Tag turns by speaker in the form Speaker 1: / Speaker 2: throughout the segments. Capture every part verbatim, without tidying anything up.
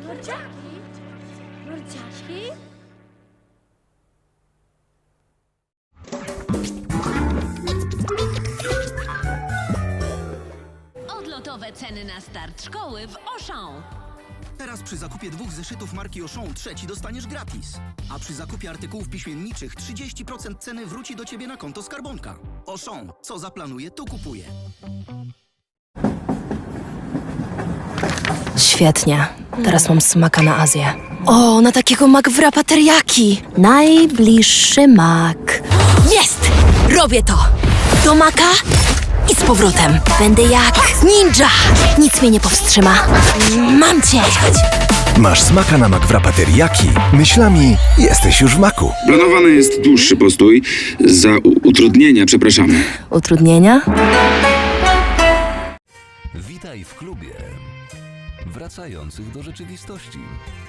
Speaker 1: Lordziaki? Lordziaki?
Speaker 2: Odlotowe ceny na start szkoły w Auchan.
Speaker 3: Teraz przy zakupie dwóch zeszytów marki Auchan trzeci dostaniesz gratis. A przy zakupie artykułów piśmienniczych trzydzieści procent ceny wróci do Ciebie na konto skarbonka. Auchan. Co zaplanuje, to kupuje.
Speaker 4: Świetnie. Teraz mam smaka na Azję. O, na takiego McWrapa teriyaki. Najbliższy mak. Jest! Robię to! Do maka i z powrotem. Będę jak ninja. Nic mnie nie powstrzyma. Mam cię!
Speaker 5: Masz smaka na McWrapa teriyaki? Myślami jesteś już w maku.
Speaker 6: Planowany jest dłuższy postój. Za u- utrudnienia przepraszamy.
Speaker 4: Utrudnienia?
Speaker 7: Witaj w klubie wracających do rzeczywistości.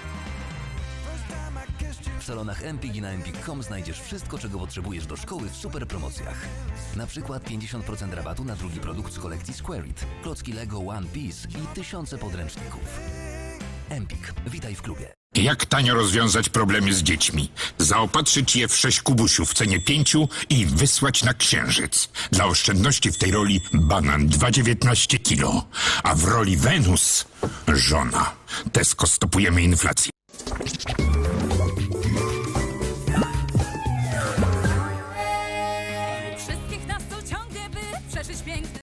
Speaker 7: W salonach Empik i na empik kropka com znajdziesz wszystko, czego potrzebujesz do szkoły w super promocjach. Na przykład pięćdziesiąt procent rabatu na drugi produkt z kolekcji Square It, klocki Lego One Piece i tysiące podręczników. Empik, witaj w klubie.
Speaker 8: Jak tanio rozwiązać problemy z dziećmi? Zaopatrzyć je w sześć kubusiów w cenie pięciu i wysłać na księżyc. Dla oszczędności w tej roli banan dwa dziewiętnaście kilo, a w roli Wenus żona. Tesco stopujemy inflację.